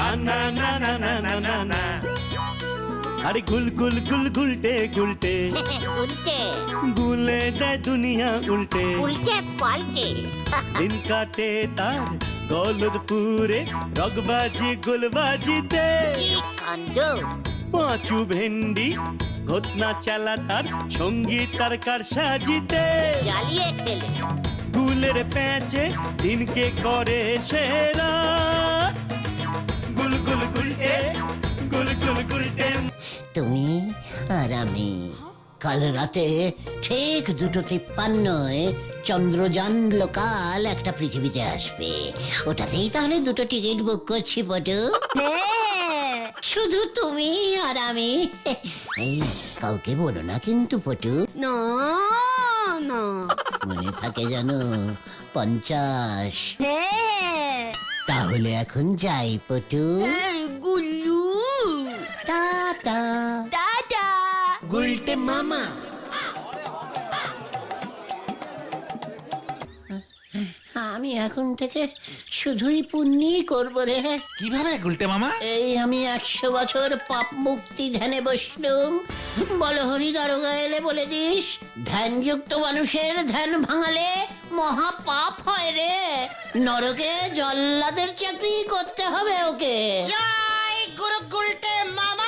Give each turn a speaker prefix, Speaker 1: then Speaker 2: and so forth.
Speaker 1: না না না না না না না। আরে গুল গুল গুল গুলটে গুলটে
Speaker 2: উল্টে
Speaker 1: গুলে দেয় দুনিয়া উল্টে।
Speaker 2: উল্টে পাল্টে
Speaker 1: দিন কাটে তার দৌলতপুরে রগবাজি গুলবাজিতে।
Speaker 2: কি কাণ্ড!
Speaker 1: পাঁচু ভেন্ডি ঘটনা চালা তার সঙ্গীত তার কার সাজিতে।
Speaker 2: জ্বালিয়ে খেলে
Speaker 1: গুলের প্যাঁচে দিনকে করে সেরা। গুল গুল গুলটে গুল গুল গুলটে।
Speaker 3: তুমি আর আমি কাল রাতে ঠিক 2:53 চন্দ্রযান লোকাল একটা পৃথিবীতে আসবে। ওটাতেই তাহলে 2টো টিকিট বুক করছি পটু। শুধু তুমি আর আমি। এই কাউকে বলো না কিন্তু পটু।
Speaker 2: না না
Speaker 3: মনে থাকে জানো 50। তাহলে এখন যাই পটু।
Speaker 2: গুল্লু
Speaker 3: টাটা।
Speaker 2: টাটা।
Speaker 3: গুলটে মামা। আমি এখন থেকে শুধুই পুণ্যই করবো রে।
Speaker 4: কিভাবে গুলটে মামা?
Speaker 3: এই আমি 100 বছর পাপ মুক্তি ধ্যানে বসলুম। বলো হরি দারোগা এলে বলে দিস, ধ্যানযুক্ত মানুষের ধ্যান ভাঙালে মহা পাপ হয় রে। নরকে জল্লাদের চাকরি করতে হবে ওকে।
Speaker 2: জয় গুরু গুলটে মামা।